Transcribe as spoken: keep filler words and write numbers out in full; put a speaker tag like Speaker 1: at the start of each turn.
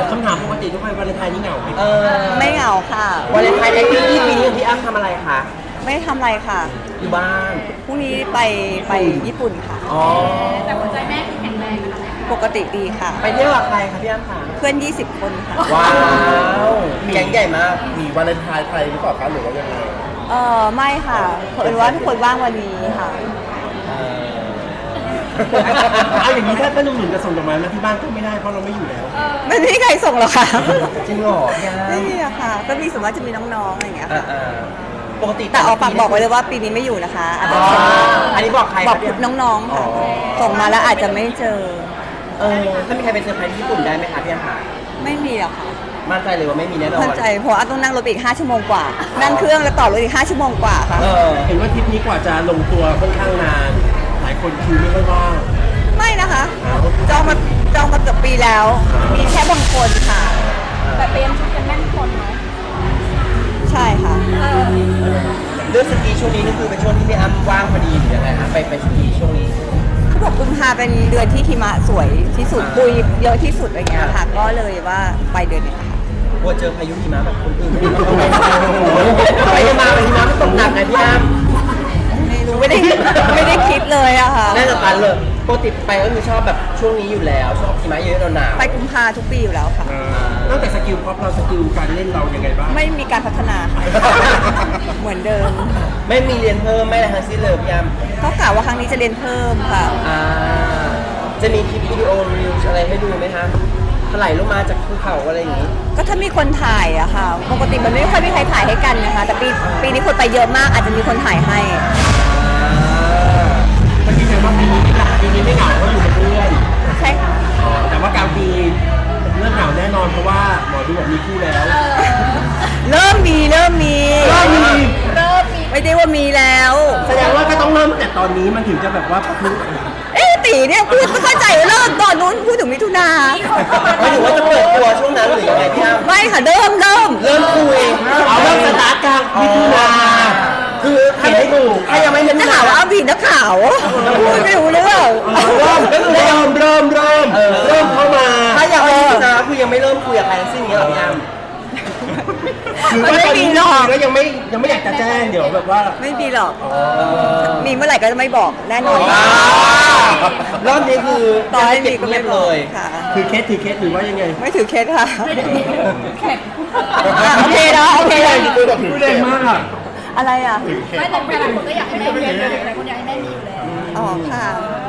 Speaker 1: คำถามปกติทุกคนวาเลนไทน์นี่เหงาไหม
Speaker 2: เออ
Speaker 3: ไม่เหงาค่ะ
Speaker 2: วาเลนไทน์แอคทิวิตี้ปีนี้พี่อ้ำทำอะไรคะ
Speaker 3: ไม่ทำอะไรค่ะ
Speaker 2: อยู่บ้าน
Speaker 3: พรุ่งนี้ไปไปญี่ปุ่นค่ะ
Speaker 2: อ๋อ
Speaker 4: แต่หัวใจแม่คือแข็งแรงนะคะ
Speaker 3: ปกติดีค่ะ
Speaker 2: ไปเที่ยวกับใครคะพี่อ้ำคะ
Speaker 3: เพื่อน ยี่สิบ คนค่ะ
Speaker 2: ว้าวแก๊งใหญ่มาก
Speaker 5: มีวาเลนไทน์ไทยหรือเปล่าคะหรือว่ายังไง
Speaker 3: เออไม่ค่ะเผอิญว่าทุกคนว่างวันนี้ค่ะ
Speaker 2: เออ
Speaker 1: เอาอย่างนี้ถ้าถ้าหนุ่มๆจะส่งดอกไม้มาที่บ้านก็ไม่ได้เพราะเราไม่อยู่แล้ว
Speaker 3: ไม่มีใครส่งหรอกค่ะ
Speaker 2: จริงเหรอพี่อ้ำ
Speaker 3: ไม่มีอะค่ะ ก็มีสมมติจะมีน้องๆอะไรอย่างเงี้ย
Speaker 2: อ่า
Speaker 3: ค่ะ
Speaker 2: อ่าปกติ
Speaker 3: แต่เอาฝากบอกไว้เลยว่าปีนี้ไม่อยู่นะคะอาจ
Speaker 2: อ๋
Speaker 3: จะ
Speaker 2: อ
Speaker 3: ส่ง
Speaker 2: อันนี้บอกใคร
Speaker 3: บอก
Speaker 2: พี่ำ
Speaker 3: น้องๆค่ะ
Speaker 2: อ๋อ
Speaker 3: ส่งมาแล้วอาจจะไม่เจอ
Speaker 2: เออถ้ามีใครไปเซอร์ไพรส์ที่ญี่ปุ่นได้ไหมคะพี่อ้ำคะ
Speaker 3: ไม่มีหรอกค่ะ
Speaker 2: มั่นใจเลยว่าไม่มีแน่นอน
Speaker 3: เข้าใจเพราะว่าต้องนั่งรถไปอีกห้าชั่วโมงกว่า นั่งเครื่องแล้วต่อรถอีกห้าชั่วโมงกว่าค่ะ
Speaker 2: เออ
Speaker 1: เห็นว่าทริปนี้กว่าจะลงตัวค่อนข้างนาน หลายคนคิวไม่ค่อยว่าง
Speaker 3: ไม่นะคะ
Speaker 1: อ้าว
Speaker 3: จองมาจองมาเกือบปีแล้ว มีแค่บางคนค่ะ
Speaker 4: แต่เตรียมชุดกันแน่นคนเนาะ
Speaker 3: ใช่ค่ะ
Speaker 2: เรื่องสกีช่วงนี้นี่คือเป็นช่วงที่พี่อ้ำว่างพอดีหรือยังไงฮะไปไปสกีช่วงนี้
Speaker 3: เขาบอกกุมภาเป็นเดือนที่หิมะสวยที่สุดปุยเยอะที่สุดอะไรเงี้ยค่ะ ก็เลยว่าไปเดือนนี้ค่ะ
Speaker 2: กลัวเจอพายุหิมะแบบคนอื่นไปมาหิมะมันตกหนักไงพี่อ้ำ
Speaker 3: ไม่รู้ไม่ได้ไม่ได้คิดเลยอะค่ะ
Speaker 2: น่าจะตันเลยปกติไปก็คือชอบแบบช่วงนี้อยู่แล้วชอบหิมะเยอะๆหนาวๆ
Speaker 3: ไปกุมภาทุกปีอยู่แล้วค่ะ
Speaker 1: นอกจากสกิลพ็อปเราสกิลการเล่นเรายังไงบ้าง
Speaker 3: ไม่มีการพัฒนาค่ะ เหมือนเดิม
Speaker 2: ไม่มีเรียนเพิ่มไม่อะไรทั้งสิ้นเลยพี่อ้ำ
Speaker 3: ก็กล่าวว่าครั้งนี้จะเรียนเพิ่มค่ะ
Speaker 2: อ่าจะมีคลิปวิดีโอรีวิวอะไรให้ดูไหมคะถลายลงมาจากภูเขาอะไรอย่างนี้
Speaker 3: ก็ถ้ามีคนถ่ายอะค่ะ ปกติมันไม่ค่อยมีใครถ่ายให้กันนะคะ แต่ปีปีนี้คนไปเยอะมากอาจจะมีคนถ่ายให้
Speaker 1: มันยืนยันว่าปีนี้ไม่เหงาปีนี้ไม่เหงาเพราะอยู่กับเพื่อน
Speaker 3: ใช่ค่ะ
Speaker 1: อ๋อแต่ว่ากลางปีเรื่องเหงาแน่นอนเพราะว่าหมอดูบอกมีคู่แล้ว
Speaker 3: เริ่มมีเริ่มมี
Speaker 1: เริ่มมี
Speaker 4: เริ่มมี
Speaker 3: ไม่ได้ว่ามีแล้ว
Speaker 1: แสดงว่าก็ต้องเริ่มตั้งแต่ตอนนี้มันถึงจะแบบว่าพลุ
Speaker 3: เอ๊ะตีเนี่ยพูดไม่เข้าใจว่าเริ่มตอนนู้นพูดถึงมิถุนา
Speaker 2: ไม่ถือว่าจะเปิดตัวช่วงนั้นหรือยังไงพี่อ้ำ
Speaker 3: ไม่ค่ะเริ่มเริ่ม
Speaker 2: เริ่มคุย
Speaker 1: เอาเริ่มสตาร์ทกลางมิถุนา
Speaker 2: คือถ้าไม่ถูกถ้ายังไม่เล่น
Speaker 3: จะหาว่าเอาผิดนักข่าวพูดไม่รู้เรื่อง
Speaker 1: เริ่มเริ่มเริ่มเริ่มเริ่มเริ่มเข้ามา
Speaker 2: ถ้ายังไม่พิจารณาคือยังไม่เริ่มคุยกับใครทั้งสิ้นอย่างเงี้ยหรอพี่อ้ำ
Speaker 1: คือว่าตอนนี้แล้วยังไม่ยังไม่อยากจะแจ้งเดี๋ยวแบบว่า
Speaker 3: ไม่มีหรอก มีเมื่อไหร่ก็จะไม่บอกแน่นอน
Speaker 2: ว้าวรอบนี้คือ
Speaker 3: ต่อให้มีก็
Speaker 2: เงี
Speaker 3: ไม่
Speaker 2: ยบ
Speaker 3: บ
Speaker 2: เล
Speaker 3: อก
Speaker 2: ย
Speaker 3: ค่ะ
Speaker 1: คือเคสถือเคสหรือว่ายังไง
Speaker 3: ไม่ถือเคสค่ะ
Speaker 4: แข็ง
Speaker 3: อ่ะโอเคนะโอเคนะ
Speaker 1: พูดแรงมากอ่ะ
Speaker 3: อะไรอ่ะ
Speaker 4: ไม่แต่หลายคนก็อยากให้แม่มีเลยหลายคนอยากให้แม่มีอยู่แล้ว
Speaker 3: อ๋อค่ะ
Speaker 4: เ